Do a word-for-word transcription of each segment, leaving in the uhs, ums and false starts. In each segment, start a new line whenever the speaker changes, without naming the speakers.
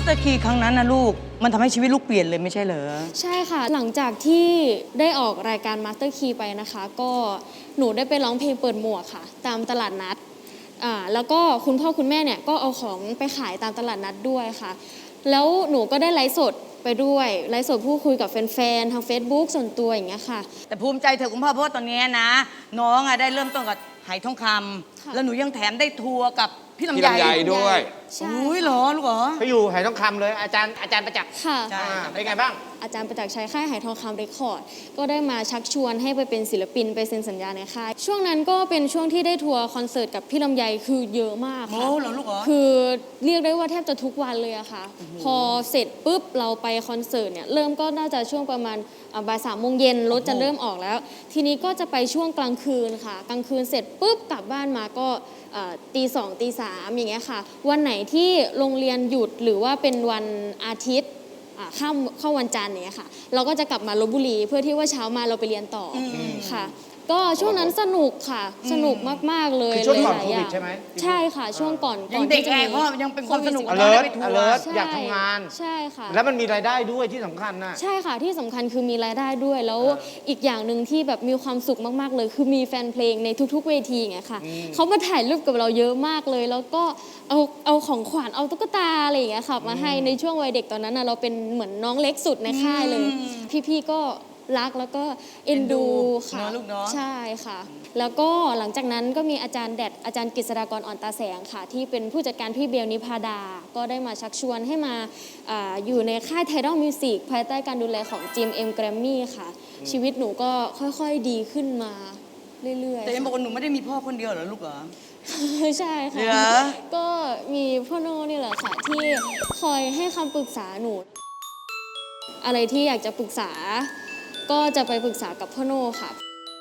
ตอร์คีครั้งนั้นนะลูกมันทำให้ชีวิตลูกเปลี่ยนเลยไม่ใช่เหรอ
ใช่ค่ะหลังจากที่ได้ออกรายการมาสเตอร์คีไปนะคะก็หนูได้ไปร้องเพลงเปิดหมวกค่ะตามตลาดนัดอ่าแล้วก็คุณพ่อคุณแม่เนี่ยก็เอาของไปขายตามตลาดนัดด้วยค่ะแล้วหนูก็ได้ไลฟ์สดไปด้วยไลฟ์สดพูดคุยกับแฟนๆทาง Facebook ส่วนตัวอย่างเงี้ยค่ะ
แต่ภูมิใจเถอะคุณพ่อเพราะว่าตอนนี้นะน้องอะได้เริ่มต้นกับไหทองคำแล้วหนูยังแถมได้ทัวร์กับพี่ลำไย
ด้วย
อุ้ยเหรอลูกเหรอ
ไปอยู่ไหทองคำเลยอาจารย์อาจารย์ประจักษ์
ค่ะ
เป็นไงบ้าง
อาจารย์ประจักษ์ชัยค่ายไหทองคำเรคคอร์ดก็ได้มาชักชวนให้ไปเป็นศิลปินไปเซ็นสัญญาในค่ายช่วงนั้นก็เป็นช่วงที่ได้ทัวร์คอนเสิร์ตกับพี่ลำไยคือเยอะมากค่ะ
โอ้เหรอลูกเหรอ
คือเรียกได้ว่าแทบจะทุกวันเลยอะค่ะพอเสร็จปุ๊บเราไปคอนเสิร์ตเนี่ยเริ่มก็น่าจะช่วงประมาณบ่ายสามโมงเย็นรถจะเริ่มออกแล้วทีนี้ก็จะไปช่วงกลางคืนค่ะกลางคืนเสร็จปุ๊บกลับบ้านมาก็ตีสองตีสามอย่างเงี้ยค่ะวันไหนที่โรงเรียนหยุดหรือว่าเป็นวันอาทิตย์เข้าเข้าวันจันทร์เนี่ยค่ะเราก็จะกลับมาลพบุรีเพื่อที่ว่าเช้ามาเราไปเรียนต่อค่ะก็ช่วงนั้นสนุกค่ะสนุกมากๆเลย
ช่วงก่อนโควิดใช่ไหม
ใช่ค่ะช่วงก่อน
ยังเด็กแอบเพราะยังเป็นความสนุก
alert alert อยากทำงาน
ใช่ค่ะ
แล้วมันมีรายได้ด้วยที่สำคัญนะ
ใช่ค่ะที่สำคัญคือมีรายได้ด้วยแล้วอีกอย่างหนึ่งที่แบบมีความสุขมากๆเลยคือมีแฟนเพลงในทุกๆเวทีไงค่ะเขามาถ่ายรูปกับเราเยอะมากเลยแล้วก็เอาเอาของขวัญเอาตุ๊กตาอะไรอย่างเงี้ยค่ะมาให้ในช่วงวัยเด็กตอนนั้นเราเป็นเหมือนน้องเล็กสุดในค่ายเลยพี่ๆก็รักแล้วก็เอ็นดูค่ะใช่ค่ะแล้วก็หลังจากนั้นก็มีอาจารย์แดดอาจารย์กฤษฎากรอ่อนตาแสงค่ะที่เป็นผู้จัดการพี่เบลนิพาดาก็ได้มาชักชวนให้มา อ, อยู่ในค่าย Tidal Music ภายใต้การดูแลของ จี เอ็ม เอ็ม Grammy ค่ะชีวิตหนูก็ค่อยๆดีขึ้นมาเรื่อยๆ
แต่ยังบอกว่าหนูไม่ได้มีพ่อคนเดียวเหรอลูกเหรอ
ใช่ค่ะก็มีพ่อโน่นี่แหละค่ะที่คอยให้คำปรึกษาหนูอะไรที่อยากจะปรึกษาก็จะไปปรึกษากับพ่อโน่ค่ะ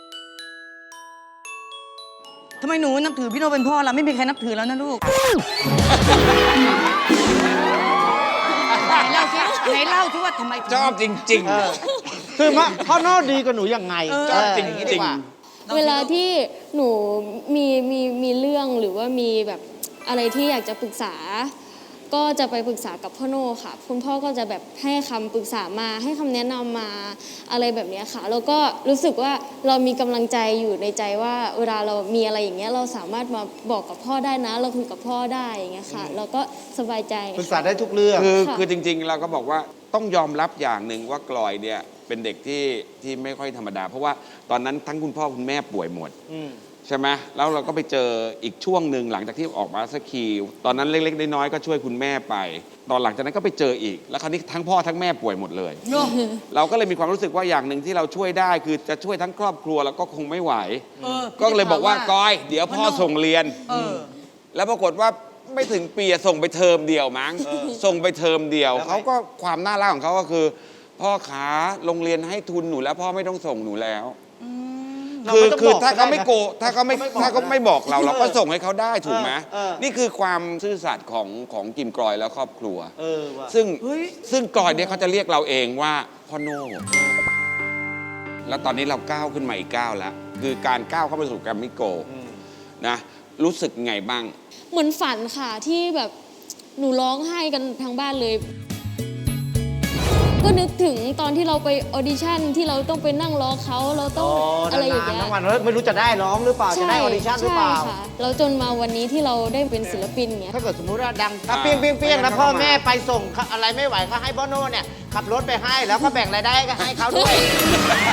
ทำไมหนูนับถือพี่โน่เป็นพ่อล่ะไม่มีใครนับถือแล้วนะลูกไหนเล่าสิไหนเล่าสิว่าทำไม
ชอบจริง
ๆคือว่าพ่อโน่ดีกว่าหนูยังไง
ชอบจริง
ๆเวลาที่หนูมีมีมีเรื่องหรือว่ามีแบบอะไรที่อยากจะปรึกษาก็จะไปปรึกษากับพ่อโน่ค่ะคุณพ่อก็จะแบบให้คำปรึกษามาให้คำแนะนำมาอะไรแบบนี้ค่ะแล้วก็รู้สึกว่าเรามีกำลังใจอยู่ในใจว่าเวลาเรามีอะไรอย่างเงี้ยเราสามารถมาบอกกับพ่อได้นะเราคุยกับพ่อได้อย่างเงี้ยค่ะเราก็สบายใจ
ปรึกษาได้ทุกเรื่อง
คือคือจริงๆเราก็บอกว่าต้องยอมรับอย่างหนึ่งว่ากลอยเนี่ยเป็นเด็กที่ที่ไม่ค่อยธรรมดาเพราะว่าตอนนั้นทั้งคุณพ่อคุณแม่ป่วยหมดใช่ไหมแล้วเราก็ไปเจออีกช่วงหนึ่งหลังจากที่ออกมาสักคีตอนนั้นเล็กๆน้อยๆก็ช่วยคุณแม่ไปตอนหลังจากนั้นก็ไปเจออีกแล้วคราวนี้ทั้งพ่อทั้งแม่ป่วยหมดเลยเราก็เลยมีความรู้สึกว่าอย่างหนึ่งที่เราช่วยได้คือจะช่วยทั้งครอบครัวแล้วก็คงไม่ไหวก็เลยบอกว่ากอยเดี๋ยวพ่อส่งเรียนแล้วปรากฏว่าไม่ถึงปีส่งไปเทอมเดียวมั้งส่งไปเทอมเดียวเขาก็ความน่ารักของเขาก็คือพ่อขาโรงเรียนให้ทุนหนูแล้วพ่อไม่ต้องส่งหนูแล้วคือคือถ้าเขาไม่โกถ้าเขาไม่ถ้าเขาไม่บอกเราเราก็ส่งให้เขาได้ถูกไหมนี่คือความซื่อสัตย์ของของกิมกลอยและครอบครัวซึ่งซึ่งกลอยเนี่ยเขาจะเรียกเราเองว่าพ่อโน่แล้วตอนนี้เราก้าวขึ้นมาอีกก้าวแล้วคือการก้าวเข้าไปสู่แกรมมี่โกลด์นะรู้สึกไงบ้าง
เหมือนฝันค่ะที่แบบหนูร้องไห้กันทั้งบ้านเลยก็นึกถึงตอนที่เราไปออดิชั่นที่เราต้องไปนั่งรอเขาเราต้องอะไรอย่างเงี้ย
ทั้งวันไม่รู้จะได้ร้องหรือเปล่าจะได้ออดิชั่นหรือเปล่า
ใช่ค่ะเราจนมาวันนี้ที่เราได้เป็นศิลปินเงี้ย
ถ้าเกิดสมมุติว่าดังเปี้ยงเปี้ยงเปี้ยงแล้วพ่อแม่ไปส่งอะไรไม่ไหวก็ให้พ่อโน่เนี่ยขับรถไปให้แล้วก็แบ่งรายได้ก็ให้เขาด้วย